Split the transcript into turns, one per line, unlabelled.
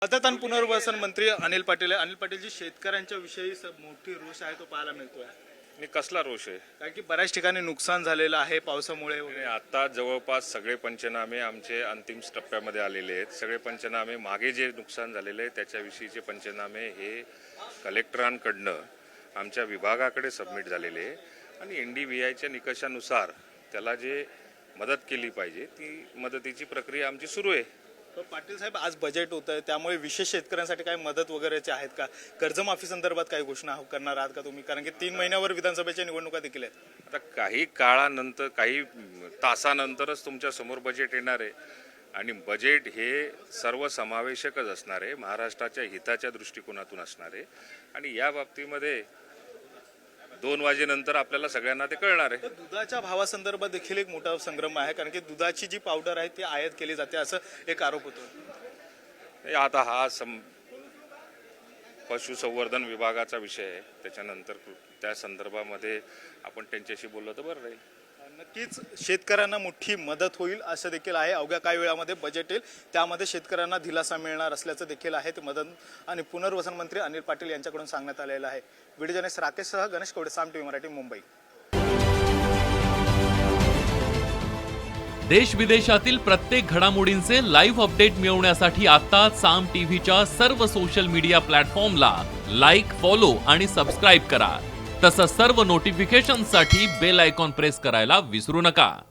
मदत आणि पुनर्वसन मंत्री अनिल पाटील जी शेतकऱ्यांच्या विषयी मोठी रोष आहे तो पाहायला मिळतोय।
आणि कसला रोष आहे?
कारण की बऱ्याच ठिकाणी नुकसान झालेलं आहे पावसामुळे
आणि आता जवळपास सगळे पंचनामे आमचे अंतिम टप्प्यामध्ये आलेले आहेत। सगळे पंचनामे मागे जे नुकसान झालेले आहे त्याच्याविषयीचे पंचनामे हे कलेक्टरांकडनं आमच्या विभागाकडे सबमिट झालेले आहे आणि NDVIच्या निकषानुसार त्याला जे मदत केली पाहिजे ती मदतीची प्रक्रिया आमची सुरू आहे।
पाटील साहेब, आज बजेट होत आहे त्यामुळे विशेष शेतकऱ्यांसाठी काही मदत वगैरेचे आहेत का? कर्जमाफी संदर्भात काही घोषणा करणार आहात का तुम्ही? कारण की 3 महिन्यावर विधानसभेच्या निवडणुका देखील आहेत।
आता काही काळानंतर काही तासानंतरच तुमच्या समोर बजेट येणार आहे आणि बजेट हे सर्वसमावेशकच असणार आहे, महाराष्ट्राच्या हिताच्या दृष्टिकोनातून असणार आहे आणि या बाबतीमध्ये 2 वाजेनंतर आपल्याला सगळ्यांना ते कळणार आहे।
दुधाच्या भावासंदर्भात देखील एक मोठा संग्राम आहे, कारण की दुधाची जी पावडर आहे ती आयात केली जाते असं एक आरोप होतो।
आता हा पशुसंवर्धन विभागाचा विषय आहे, त्याच्यानंतर त्या संदर्भामध्ये आपण त्यांच्याशी बोललो तर बरं राहील।
नक्कीच शेतकऱ्यांना मोठी मदत होईल असं देखील आहे। अवघ्या काही वेळामध्ये बजेट येईल, त्यामध्ये शेतकऱ्यांना दिलासा मिळणार असल्याचं देखील आहे। ते मदत आणि पुनर्वसन मंत्री अनिल पाटील यांच्याकडून सांगण्यात आलेलं आहे। व्हिडिओ जर्नलिस्ट राकेशसह गणेश कवडे, साम टीव्ही मराठी, मुंबई।
देश विदेशातील प्रत्येक घडामोडींचे लाईव्ह अपडेट मिळवण्यासाठी आता साम टीव्हीच्या सर्व सोशल मीडिया प्लॅटफॉर्मला लाईक, फॉलो आणि सबस्क्राईब करा। तसंच सर्व नोटिफिकेशनसाठी बेल आयकॉन प्रेस करायला विसरू नका।